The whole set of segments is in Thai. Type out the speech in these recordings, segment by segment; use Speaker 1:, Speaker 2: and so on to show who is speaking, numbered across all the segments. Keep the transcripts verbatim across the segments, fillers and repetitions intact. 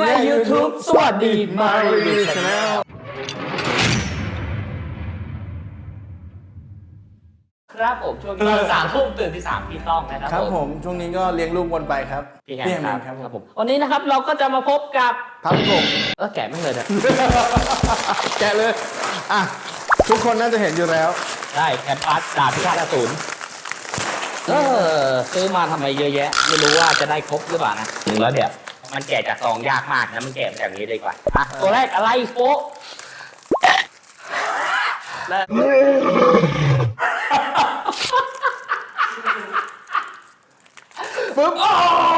Speaker 1: ใน YouTube สวัสดีมารีชาแนลครับผมช่วงนี้สามทุ่มตื่นที่สามพี่ต้องนะครับ
Speaker 2: ครับผมช่วงนี้ก็เลี้ยงลูกวนไปครับ
Speaker 1: พี่แฮ
Speaker 2: พี่
Speaker 1: ม
Speaker 2: แฮม
Speaker 1: ครับ
Speaker 2: ครับ
Speaker 1: ครับ
Speaker 2: ผ
Speaker 1: ผม มวันนี้นะครับเราก็จะมาพบกับ
Speaker 2: พับกบ
Speaker 1: เออแกะไม่เลยนะ
Speaker 2: แกะเลยอ่ะทุกคนน่าจะเห็นอยู่แล้ว
Speaker 1: ได้แคมปัสดาบพิฆาตอสูรเออซื้อมาทำไมเยอะแยะไม่รู้ว่าจะได้ครบหรือเปล่านะหนึ่งแล้วเดี๋ยวมันแกะจากซองยากมากนะมันแกะแบบนี้ดีกว่าอ่ะตัวแรกอะไรโฟและ
Speaker 2: ฟึ๊บโอ้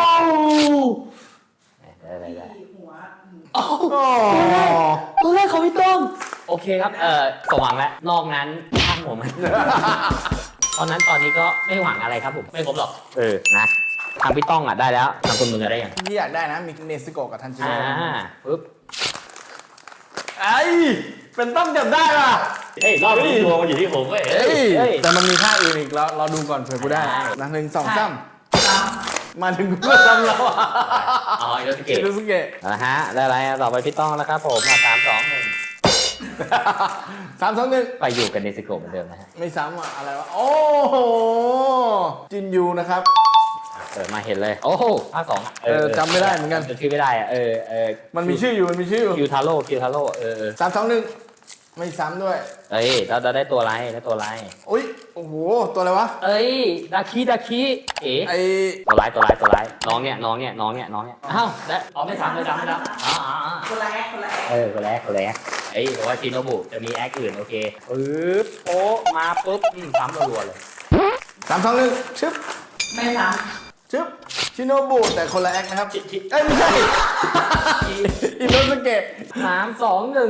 Speaker 1: ได้ได้ได้
Speaker 3: หัว
Speaker 1: โอ้ตัวแรกของพี่ต้องโอเคครับเออสมหวังแล้วนอกนั้นช่างผมตอนนั้นตอนนี้ก็ไม่หวังอะไรครับผมไม่ครบหรอกเออนะทางพี่ต้องอ่ะได้แล้วทางคุณมึงอะได้ยัง
Speaker 2: ที่อยากได้นะมีเนสโกะกับทันจิ
Speaker 1: อ่า
Speaker 2: โร่
Speaker 1: ปึ๊บ
Speaker 2: ไอ้เป็นต้องจับได้ป่ะ
Speaker 1: เฮ้ยรอบนี้ดวงมันอยู่ที่ผมเว้ย
Speaker 2: เฮ้ย
Speaker 1: เฮ้ย
Speaker 2: แต่มันมีท่าอื่นอีกเราเราดูก่อนเผื่อกูได้
Speaker 1: ได้
Speaker 2: นะหนึ่งสองสาม
Speaker 3: สาม
Speaker 2: มาถึงกูก็ซ้ำแล้วอ่ะ
Speaker 1: อ๋ออิโนสเกะ
Speaker 2: อิโนสุเกะ
Speaker 1: นะฮะได้อะไรอ่ะต่อไปพี่ต้องแล้วครับผมมาสามสองหนึ่ง
Speaker 2: สามสองหนึ่ง
Speaker 1: ไปอยู่กันในสโกปเหมือนเดิมนะฮะ
Speaker 2: ไม่ซ้ำอ่ะอะไรวะโอ้โหจินยูนะครับ
Speaker 1: เปิดมาเห็นเลยโอ้โหภาคสอง
Speaker 2: เออจำไม่ได้เหมือนกัน
Speaker 1: จำชื่อไม่ได้อ่ะเออเออ
Speaker 2: มันมีชื่ออยู่มันมีชื่ออยู่
Speaker 1: คิวทาโร่คิวทาโร่เออเออ
Speaker 2: สามสองหนึ่งไม่ซ้ำด้วย
Speaker 1: เอ้ยเราเราได้ตัวอะไรได้ตัวอะไร
Speaker 2: อุ้ยโอ้โหตัวอะไรวะ
Speaker 1: เอ้ยดาคิดาคิเอ๋
Speaker 2: ไอ
Speaker 1: ตัวร้ายตัวร้ายตัวร้ายน้องเนี่ยน้องเนี่ยน้องเนี่ยน้องเนี่ยอ้าวได้อ๋อไม่ซ้ำไม่ซ้ำไม่ซ้ำอ๋ออ๋ออ๋อ
Speaker 3: คนละแอคคนละแอค
Speaker 1: เออคนแรกคนแรกเอ้ยบอกว่าชินโนบุจะมีแอคอื่นโอเคปึ๊บโป๊ะมาปุ๊บอืมซ้ำรัวๆเลย
Speaker 2: สามสองหนึ่งชึบ
Speaker 3: ไม่ซ้
Speaker 2: ชึบชิโนบุแต่คนละแอคนะครับ
Speaker 1: ชิชิ
Speaker 2: เอ้ยไม่ใช่ อินโนสเกะ
Speaker 1: สามสองหนึ่ง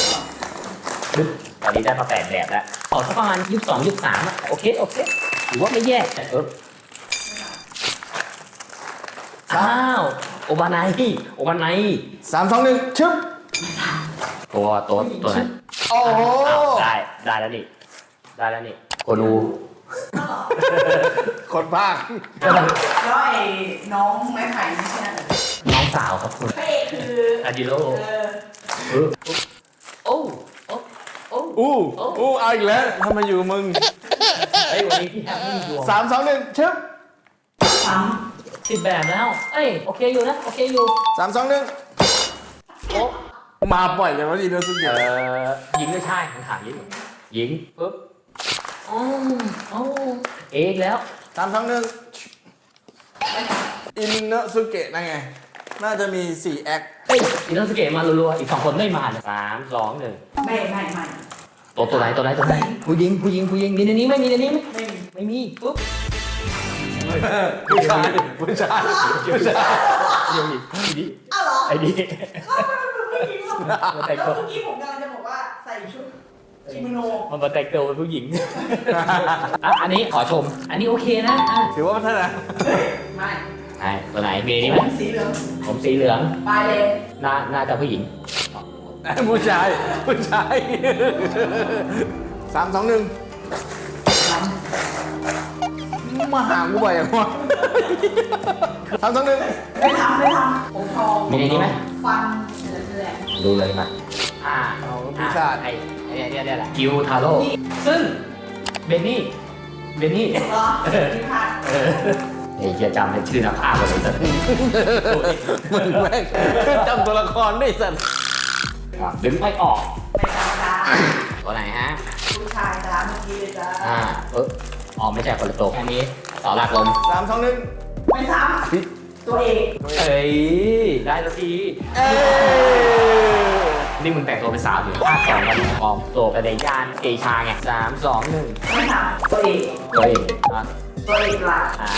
Speaker 1: ตอนนี้ได้มาแปดแบบแล้วขอสักประมาณยี่สิบสองยี่สิบสามอะโอเคโอเคถือว่าไม่แย่แต่เอออ้าวโอบานายโอบานาย
Speaker 2: สามสองหนึ่งชึบ
Speaker 1: ตัวตัวตัวนั้น
Speaker 2: โอ้โห
Speaker 1: อ้าวได้ได้แล้วนี่ได้แล้วนี่โกดู
Speaker 2: คนภาค
Speaker 3: ำแล้วไอ้น้องไม้ไผ่ไม่ใช่เหรอ
Speaker 1: น้องสาวครับคุณ
Speaker 3: พระเอกคือ
Speaker 1: อาจิโร่
Speaker 3: เออ
Speaker 1: เออโอ้โอ้โอ้
Speaker 2: อู้อู้เอาอีกแล้วทำไมอยู่กับมึง
Speaker 1: เฮ้ยวันนี้พี่แฮมมี่ดวง
Speaker 2: สามสองหนึ่งชึบ
Speaker 3: ซ้
Speaker 1: สิบแบบแล้วเอ้ยโอเคอยู่นะโอเคอยู่
Speaker 2: สามสองหนึ่ง
Speaker 1: โอ้
Speaker 2: มาปล่อยกันว่าอินโนส
Speaker 1: เอ
Speaker 2: เกะ
Speaker 1: อยิงไม่ใช่ผมถามยิงยิงปุ๊บโอ้โอ้เอกแล้ว
Speaker 2: สามสองหนึ่งอินโนสเกะนั่นไง น่าจะมีสี่แอค
Speaker 1: เฮ้ยอินโนสเกตมารัวๆอีกสองคนไม่มาเลยสามสองหนึ่ง
Speaker 3: ำไม่ไม่ไม่
Speaker 1: ตัวตัวไหนตัวไหนตัวไหนผู้หญิงผู้หญิงผู้หญิงมีในนี้ไหมมีในนี้ไหม
Speaker 3: ไม่
Speaker 1: ไม่มีปุ๊บ
Speaker 2: ผู้ชายผู้ชายผู้ชาย
Speaker 1: เดี๋ยวอีกไอ้นี่
Speaker 3: อ้าวเหรอ
Speaker 1: ไอ้นี่
Speaker 3: แล้วเมื่อกี้ผมกำลังจะบอกว่าใส่ชุดคิโมโน
Speaker 1: มันมาแต่งตัวเป็นผู้หญิงอ่ะอันนี้ขอชม อันนี้โอเคนะอ่ะ
Speaker 2: ถือว่าพัฒนา
Speaker 3: ไม่
Speaker 1: ไหนตัวไหนมีในนี้
Speaker 3: ผ
Speaker 1: ไหม
Speaker 3: มสีเหลือง
Speaker 1: ผมสีเหลือง
Speaker 3: ปลายเลน
Speaker 1: น่าน่าจะผู้หญิง
Speaker 2: ผู้ชายผู้ชายสามสองหนึ่ง
Speaker 3: ซ้
Speaker 2: มาหากูบ่อยอย่างวะสามสองหนึ่ง
Speaker 3: ำไม่ทำไม่ทำผมทอง
Speaker 1: มีในนี้ไหม
Speaker 3: ฟันเหลืองแหลม
Speaker 1: ดูเลยมาอ่า
Speaker 2: เอาพิซซ่า
Speaker 1: ไอ้ไอ้เนี่ยเนี่ยแหละกิวทาโร่ซึ่งเบนนี่เบนนี่
Speaker 3: เหรอนี่ค่ะ
Speaker 1: เออไอ้เฮียจำให้ชื่อนักภาพเลยสัก
Speaker 2: มึงแม่งจำตัวละครได้สัตว์
Speaker 1: ดึงไม่ออก
Speaker 3: ไม่ทำจ้า
Speaker 1: ตัวไหนฮะ
Speaker 3: ผู้ชายจ้าเมื่อกี้เลยจ้า
Speaker 1: อ่าเอออ๋อไม่ใช่คนละตัวอันนี้ต่อหลักลม
Speaker 2: สามสองหนึ่ง
Speaker 3: ไม่ซ้ำตัวเอก
Speaker 1: เอ้ยได้แล้วที
Speaker 2: เอ้ย
Speaker 1: นี่มึงแต่งตัวเป็นสาวอยู่ภาคสองกันปลอมตัวไปในย่านเอชาไงสามสองหนึ่ง
Speaker 3: ไม่ซ้ำตัวเอก
Speaker 1: ตัวเองอ่ะ
Speaker 3: ตัวเอกหลัก
Speaker 1: อ่า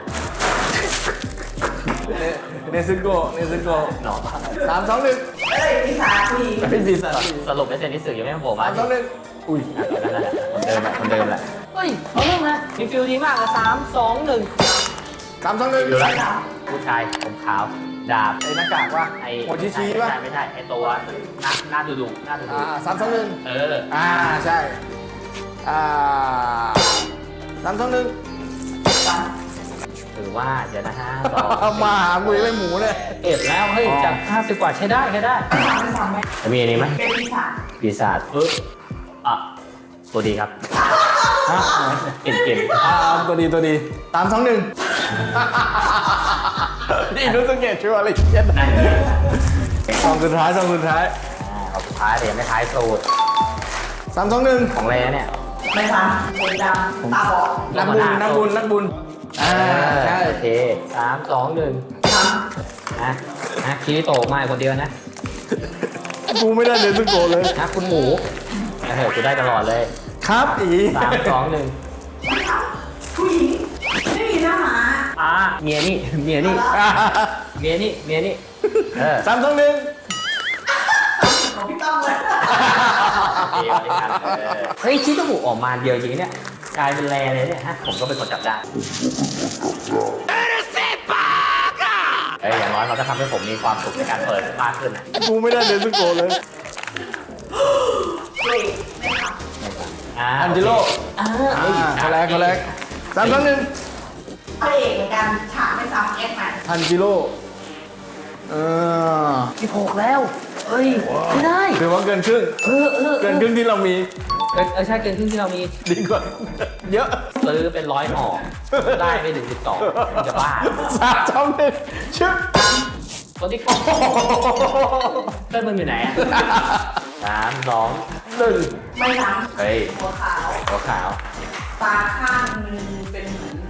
Speaker 2: เนซึโกะเนซึโกะ
Speaker 1: หนอ
Speaker 2: สามสองหนึ่ง
Speaker 3: เอ้ยพี่สาวผู้หญิง
Speaker 2: ไม่มีสัตว์
Speaker 1: สรุปไม่เซ็นที่สื่อยังไม่มาโผล่
Speaker 2: สา
Speaker 1: มา
Speaker 2: มสองหนึ่งอุ้ย
Speaker 1: นั่นแหละคนเดิมแหละคนเดิมแหละเฮ้ยเอาเรื่องนะมีฟิลดีมากเลยสามสองหนึ่ง
Speaker 2: สามสองหนึ่ง
Speaker 1: อยู่แล้วผู้ชายผมขาวดาบ
Speaker 2: ไอ้หน้ากากวะ
Speaker 1: ไอ้
Speaker 2: โมชิชิ
Speaker 1: ไม่
Speaker 2: วะ
Speaker 1: ใช่ไม่ใช่ไอ้ตัวหน้าหน้าดุดุหน้าดุดุ
Speaker 2: อ่าสามสองหนึ่ง
Speaker 1: เออ
Speaker 2: อ่าใช่อ่าสามสองหนึ่ง
Speaker 3: ซ้
Speaker 1: ถือว่าเดี๋ยวนะฮะสอง
Speaker 2: เอามาหากูยังไม่หมูเลย
Speaker 1: เอ็ดแล้วเฮ้ย
Speaker 2: อ๋อ
Speaker 1: จากห้าสิบกว่าใช้ได้ใช้ได้
Speaker 3: ไม่ซ้ำไม่ซ้ำไหม
Speaker 1: มีอันนี้ไหม
Speaker 3: เป็นปีศาจ
Speaker 1: ปีศาจเอออ่ะตัวดีครับ
Speaker 2: ฮะ
Speaker 1: เก่งเก่ง
Speaker 2: อ่าตัวดีตัวดีสามสองหนึ่งนี่รู้สังเกตชัวร์เลยเย็น
Speaker 1: นั่นไง
Speaker 2: สองสุดท้ายสองสุดท้าย
Speaker 1: อ่าเอาสุดท้ายแต่ยังไม่ท้ายสูตร
Speaker 2: สามสองหนึ่ง
Speaker 1: ของแรเนี่ย
Speaker 3: ไม่ซ้ำผมดำตาบอด
Speaker 2: นักบุญนักบุญนักบุญอ่าใช่
Speaker 1: โอเคสามสองหนึ่ง
Speaker 3: ซ้
Speaker 1: นะนะคิริโตะมาคนเดียวนะ
Speaker 2: กูไม่ได้เลยสักโกเลย
Speaker 1: นะคุณหมูเออกูได้ตลอดเลย
Speaker 2: ครับอี
Speaker 1: สามสองหนึ่ง
Speaker 3: ำไม่ซ้ำผู้หญิงไม่มีหน้าหมา
Speaker 1: อ่าเมียนี่เมียนี่
Speaker 2: อ่า
Speaker 1: เมียนี่เมียนี่เออ
Speaker 2: สามสองหนึ่ง
Speaker 3: ของพี่ต้องเลย
Speaker 1: เฮ้ยคิดจมูกออกมาเดียวจริงเนี่ยกลายเป็นแรเลยเนี่ยฮะผมก็เป็นคนจับได้เอ้ยอย่างน้อยเราก็ทำให้ผมมีความสุขในการเปิดมากขึ้นนะ
Speaker 2: กูไม่ได้เลยสักโกเลย
Speaker 3: เว้ยไม่ซ้
Speaker 1: อ่า
Speaker 2: อันเจโร่
Speaker 1: อ่า
Speaker 2: อ่าเขาแรกเขาแรกสามสองหนึ่ง
Speaker 3: ำพระเอกเหมือนกันฉากไม่ซ้ำแอคใหม่
Speaker 2: ทันจิโร่เออ
Speaker 1: สิบหกแล้วเอ้ยไม่ได้
Speaker 2: ถือว่าเกินครึ่ง
Speaker 1: เออเออ
Speaker 2: เกินครึ่งที่เรามี
Speaker 1: เกินเออใช่เกินครึ่งที่เรามี
Speaker 2: ดีกว่าเยอะ
Speaker 1: ซื้อเป็นร้อยห่อได้ไม่ถึงสิบสองจะบ้า
Speaker 2: สามสองหนึ่งชึบ
Speaker 1: คนที่เพื่อนมึงอยู่ไหนอะสามสองหนึ่ง
Speaker 3: ไม่ซ้
Speaker 1: เฮ้ย
Speaker 3: ำหัวขาว
Speaker 1: หัวขาว
Speaker 3: ตาข้างนึงเป็นเหมือน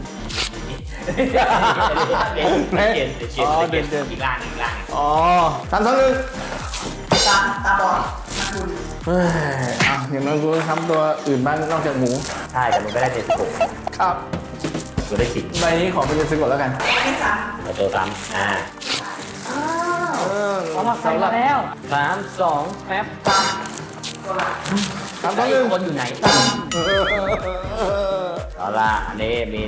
Speaker 1: เด่นเด่นเด่นเด่นเด่นอีกล่างอีกล่าง
Speaker 2: อ๋อสามสองหนึ่ง
Speaker 3: ตาตาบอดนักบุญ
Speaker 2: เฮ้ยอ่ะอย่างน้อยกูทำตัวอื่นบ้างนอกจากหมู
Speaker 1: ใช่แต่มึงไม่ได้เจ็ดสิบหก
Speaker 2: ครับ
Speaker 1: กูได้สิบ
Speaker 2: ใบนี้ขอเป็นเจ็ดสิบกว่าแล้วกัน
Speaker 3: แอคไม่ซ้
Speaker 1: มาเจอซ้ำอ่า
Speaker 3: ำอ้าว
Speaker 2: เออ
Speaker 1: สำหรับใครมาแล้วสามสองแป๊บ
Speaker 3: ซ้ำตัวหลัก
Speaker 2: สามสองหนึ่ง
Speaker 1: คนอยู่ไหน
Speaker 2: เออเออเออ
Speaker 1: เอาล่ะอันนี้มี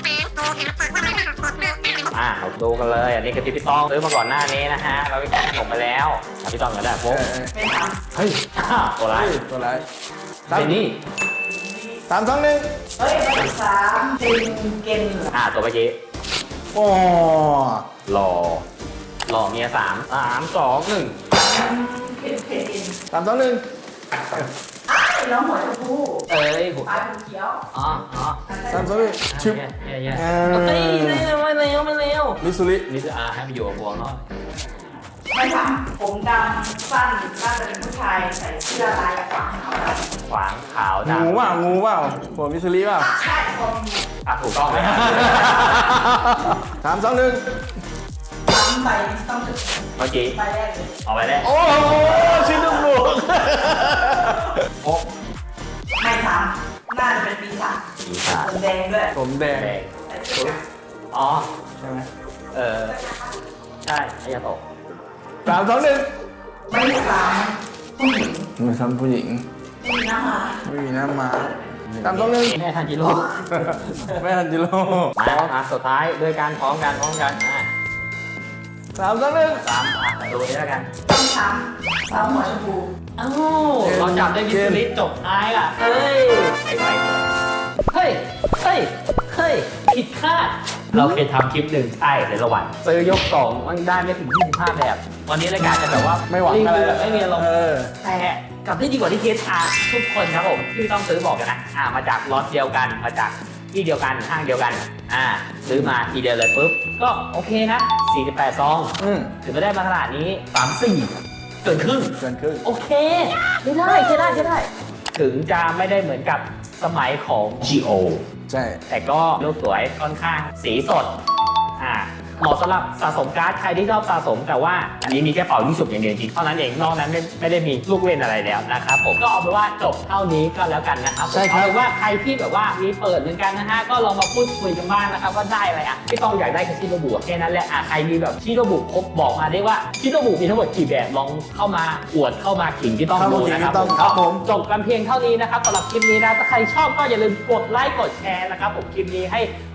Speaker 1: อ่าเราดูกันเลยอันนี้คือที่พี่ต้องซื้อมาก่อนหน้านี้นะฮะเราไปกินขนมไปแล้วอ่ะพี่ต้องก็ได้
Speaker 2: เอ
Speaker 1: โป๊ะ
Speaker 2: อ
Speaker 3: ไม่ซ้
Speaker 1: เฮ้ยอ้าวตัวร้าย
Speaker 2: เฮ้ยตัวไราย
Speaker 1: เป็นนี่
Speaker 2: สามสองหนึ่ง
Speaker 3: ำเฮ้ยไม่ซ้ำเจนเกนเหรอ
Speaker 1: อ่าตัวเมื่อกี้
Speaker 2: โอ้
Speaker 1: หล่อหล่อเมียสามสามสองหนึ่ง
Speaker 3: เผ็ดเผ็ดเอง
Speaker 2: สามสองหนึ่ง
Speaker 3: อ้าวแล้วหัวชมพู
Speaker 1: เอ้ยหัว
Speaker 3: ปลายผมเขียว
Speaker 1: อ๋ออ๋อ
Speaker 2: สามสองหนึ่งชึบ
Speaker 1: เย่เย่
Speaker 2: เอ
Speaker 1: เฮ้ย
Speaker 2: อ
Speaker 1: ไม่เร็วไม่เร็วไม่เร็ว
Speaker 2: มิสซูริ
Speaker 1: นี่จะอ่าให้ไปอยู่กับพวงเนาะ
Speaker 3: ไม่ซ้ำผมดำสั้นน่าจะเป็นผู้ชายใส่เสื้อลายขวางขาวดำ
Speaker 1: ขวางขาว
Speaker 2: งู
Speaker 1: ดำ
Speaker 2: เปล่างูเปล่าหัวมิสซูริเปล่า
Speaker 3: ใช่คน
Speaker 1: อ่ะถูกต้องไหมครับ
Speaker 2: สามสองหนึ่ง
Speaker 3: ซ้ำใบต้องถึง
Speaker 1: เมื่อกี้
Speaker 3: ใบแรกเลย
Speaker 1: เอาไปแล้ว
Speaker 2: โอ้โหชิ้นลูกหนู
Speaker 1: โอ้
Speaker 3: ไม่ซ้ำน่าจะเป็นปีศาจ
Speaker 1: ปีศาจ
Speaker 3: ผมแดงด้วย
Speaker 2: ผมแดง
Speaker 1: แดง
Speaker 3: ใส่เสื้อ
Speaker 1: อ๋อ
Speaker 2: ใช่ไหม
Speaker 1: เออใช่อายาโตะ
Speaker 2: สามสองหนึ่ง
Speaker 3: ไม่ซ้ำผู้หญิง
Speaker 2: ไม่ซ้ำผู้หญิง
Speaker 3: ไม่มีหน้ามา
Speaker 2: ไม่มีหน้ามาสามสองหนึ่ง
Speaker 1: แม่ทันจิโร่
Speaker 2: ไม่ทันจิโร่
Speaker 1: มาอ่ะสุดท้ายด้วยการพร้อมกันพร้อมกันอ่ะ
Speaker 2: สามสองหนึ่ง
Speaker 1: สามอ่ะดูนี้แล้วกัน
Speaker 3: ต้องซ้ำซ้ำหัวชมพู
Speaker 1: อ้าวเราจับได้มิสซิลิจบท้ายอ่ะเฮ้ยไอ้ไว้เฮ้ยเฮ้ยเฮ้ยผิดคาดเราเคยทำคลิปหนึ่งใช่ในระหว่างซื้อยกกล่องมันได้ไม่ถึงยี่สิบห้าแบบ วันนี้รายการจะแบบว่า
Speaker 2: ไม่หวังอะไร
Speaker 1: รีวิวแบบไม่มีอารมณ์
Speaker 2: เออ
Speaker 1: แต่กลับได้ดีกว่าที่เคสอาทุกคนครับผมที่ต้องซื้อบอกกันนะอ่ามาจากล็อตเดียวกันมาจากที่เดียวกันห้างเดียวกันอ่าซื้อมาทีเดียวเลยปุ๊บก็โอเคนะสี่สิบแปดซอง
Speaker 2: อืม
Speaker 1: ถึงจะได้มาขนาดนี้สามสี่เกินครึ่ง
Speaker 2: เกินครึ่ง
Speaker 1: โอเคใช้ได้ใช้ได้ใช้ได้ ถึงจะไม่ได้เหมือนกับสมัยของ จี โอ
Speaker 2: ใช่
Speaker 1: แต่ก็รูปสวยค่อนข้างสีสดอ่าเหมาะสำหรับสะสมการ์ดใครที่ชอบสะสมแต่ว่าอันนี้มีแค่เป่ายิ่งสุกอย่างเดียวจริงเท่านั้นเองนอกนั้นไม่ไม่ได้มีลูกเล่นอะไรแล้วนะครับผมก็เอาเป็นว่าจบเท่านี้ก็แล้วกันนะครับ
Speaker 2: ใช่ครับ
Speaker 1: เอาเป็นว่าใครที่แบบว่ามีเปิดเหมือนกันนะฮะก็ลองมาพูดคุยกันบ้างนะครับว่าได้อะไรอ่ะที่ต้องอยากได้คือชิโนบุแค่นั้นแหละอ่ะใครมีแบบชิโนบุครบบอกมาได้ว่าชิโนบุมีทั้งหมดกี่แบบลองเข้ามาอวดเข้ามาขิงที่ต้อง
Speaker 2: เข้ามา
Speaker 1: ดู
Speaker 2: ขิง
Speaker 1: นะครับ
Speaker 2: ที่ต้อง
Speaker 1: ผม
Speaker 2: ครับผม
Speaker 1: จบกันเพียงเท่านี้นะครับสำหรับคลิปนี้นะถ้าใครชอบก็อย่าลืมกดไลค์กดแชร์นะครับผมคลิปนี้ให้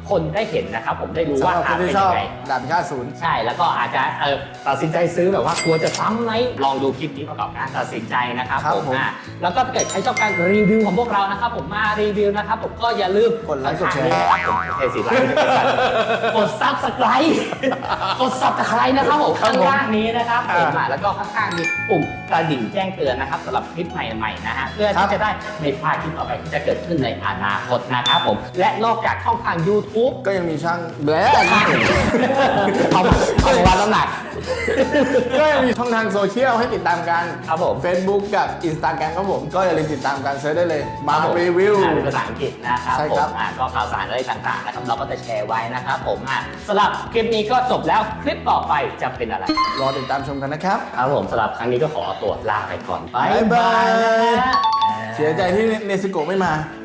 Speaker 1: คนได้เห็นนะครับผมได้รู้
Speaker 2: สำ
Speaker 1: ว่า
Speaker 2: หรับค
Speaker 1: อ่ะ
Speaker 2: น
Speaker 1: เป็น
Speaker 2: ที่ชอ
Speaker 1: ยั
Speaker 2: บ
Speaker 1: งไง
Speaker 2: ดาบพิฆาตศูนย์
Speaker 1: ใช่แล้วก็อาจจะเออตัดสินใจซื้อแบบว่ากลัวจะซ้ำไหมลองดูคลิปนี้ประกอบการตัดสินใจนะครับ
Speaker 2: ครับ
Speaker 1: ผม
Speaker 2: ผม
Speaker 1: อ่ะแล้วก็ถ้าเกิดใครชอบการรีวิวของพวกเรานะครับผมมารีวิวนะครับผมก็อย่าลืม
Speaker 2: กดไลค์กดแชร์
Speaker 1: ข้างๆนี้นะครับผมเอสิไลค์กดซับสไครต์กดซับสไครต์นะครับผมข้างล่างนี้นะครับผมอ่ะแล้วก็ข้างๆมีปุ่มกระดิ่งแจ้งเตือนนะครับสำหรับคลิปใหม่ๆนะฮะเพื่อที่จะได้ไม่พลาดคลิปต่อไปที่จะเกิดขึ้นในอนาคตนะครับผมและนอกจากช่องทาง YouTube
Speaker 2: ก็ยังมีช่างแบล็
Speaker 1: เอามาเอามาวัดน้ำหนัก
Speaker 2: ก็ยังมีช่องทางโซเชียลให้ติดตามกัน
Speaker 1: ครับผม
Speaker 2: Facebook กับ Instagram ครับผมก็อย่าลืมติดตามกันเซิร์ชได้เลย มา
Speaker 1: ครับผ
Speaker 2: รีวิว
Speaker 1: อ่านเป็นภาษาอังกฤษนะครับ
Speaker 2: ใช่
Speaker 1: ผ
Speaker 2: ครั
Speaker 1: ม
Speaker 2: บ
Speaker 1: อ่าก็ข่าวสารอะไรต่างๆนะครับเราก็จะแชร์ไว้นะครับผมอ่ะสำหรับคลิปนี้ก็จบแล้วคลิปต่อไปจะเป็นอะไร
Speaker 2: รอติดตามชมกันนะครับ
Speaker 1: ครับผมสำหรับครั้งนี้ก็ขอตัวลาไปก่อน
Speaker 2: บ๊ายบาย
Speaker 1: นะฮะ
Speaker 2: เสียใจที่เนสโกะไม่มา
Speaker 1: ค